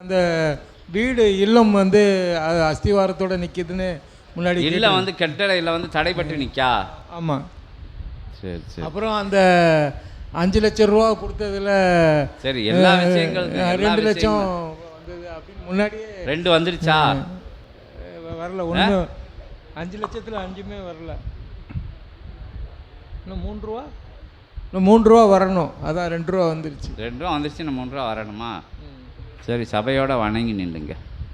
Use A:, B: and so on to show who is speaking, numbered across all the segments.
A: அந்த வீடு இல்லம் வந்து அது அஸ்திவாரத்தோட நிற்கிதுன்னு முன்னாடி
B: இல்லை வந்து கட்டளையில் வந்து தடைப்பட்டு நிற்கா.
A: ஆமாம்.
B: சரி சரி.
A: அப்புறம் அந்த 5 லட்சம் ரூபா கொடுத்ததுல
B: சரி எல்லா விஷயங்களும்
A: 2 லட்சம் வந்தது அப்படின்னு முன்னாடியே
B: 2 வந்துருச்சா?
A: வரல ஒன்று. 5 லட்சத்தில் 5மே வரல. இன்னும் 3 ரூபா, இன்னும் 3 ரூபா வரணும். அதான் 2 ரூபா வந்துருச்சு.
B: 2 ரூபா வந்துருச்சு, இன்னும் 3 ரூபா வரணுமா? சரி, சபையோட வணங்கி நில்லுங்க.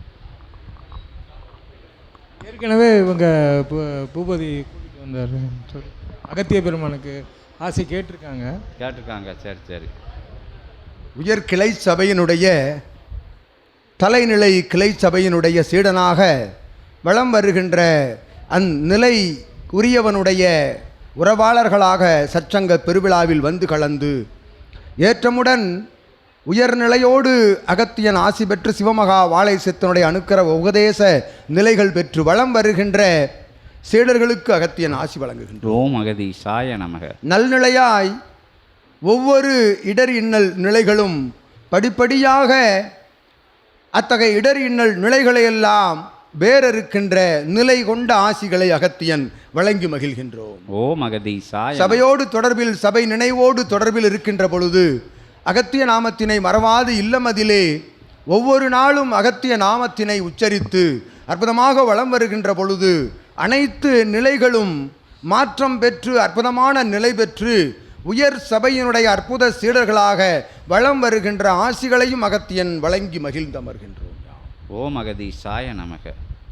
A: ஏற்கனவே இவங்க பூபதி கூட்டிகிட்டு வந்தார், அகத்திய பெருமானுக்கு ஆசை கேட்டிருக்காங்க.
B: சரி சரி.
C: உயர் கிளை சபையினுடைய தலைநிலை கிளை சபையினுடைய சீடனாக வலம் வருகின்ற அந்நிலை உரியவனுடைய உறவாளர்களாக சற்சங்க பெருவிழாவில் வந்து கலந்து ஏற்றமுடன் உயர்நிலையோடு அகத்தியன் ஆசி பெற்று சிவமகா வாழை சித்தனுடைய அனுக்கிர உபதேச நிலைகள் பெற்று வலம் வருகின்ற சீடர்களுக்கு அகத்தியன் ஆசி வழங்குகின்றோம்.
B: ஓம் அகதீசாய நமக.
C: நல்நிலையாய் ஒவ்வொரு இடர் இன்னல் நிலைகளும் படிப்படியாக அத்தகைய இடர் இன்னல் நிலைகளையெல்லாம் வேறிருக்கின்ற நிலை கொண்ட ஆசிகளை அகத்தியன் வழங்கி மகிழ்கின்றோம்.
B: ஓம் அகதீசாய.
C: சபையோடு தொடர்பில் சபை நினைவோடு தொடர்பில் இருக்கின்ற பொழுது அகத்திய நாமத்தினை மறவாது இல்லமதிலே ஒவ்வொரு நாளும் அகத்திய நாமத்தினை உச்சரித்து அற்புதமாக வலம் வருகின்ற பொழுது அனைத்து நிலைகளும் மாற்றம் பெற்று அற்புதமான நிலை பெற்று உயர் சபையினுடைய அற்புத சீடர்களாக வலம் வருகின்ற ஆசிகளையும் அகத்தியன் வழங்கி மகிழ்ந்தமர்கின்றோம்.
B: ஓம் அகதீசாய நமக.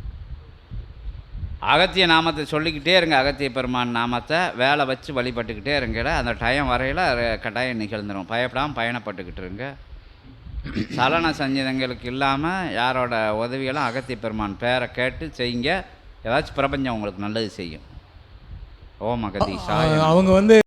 B: அகத்திய நாமத்தை சொல்லிக்கிட்டே இருங்க. அகத்திய பெருமான் நாமத்தை வேலை வச்சு வழிபட்டுக்கிட்டே இருங்க. அந்த டைம் வரையில் கட்டாயம் நிகழ்ந்துடும். பயப்படாமல் பயணப்பட்டுக்கிட்டு இருங்க. சலன சஞ்சீதங்களுக்கு இல்லாமல் யாரோட உதவியெல்லாம் அகத்திய பெருமான் பேரை கேட்டு செய்யுங்க. ஏதாச்சும் பிரபஞ்சம் உங்களுக்கு நல்லது செய்யும். ஓம் அகதீசாய.
A: அவங்க வந்து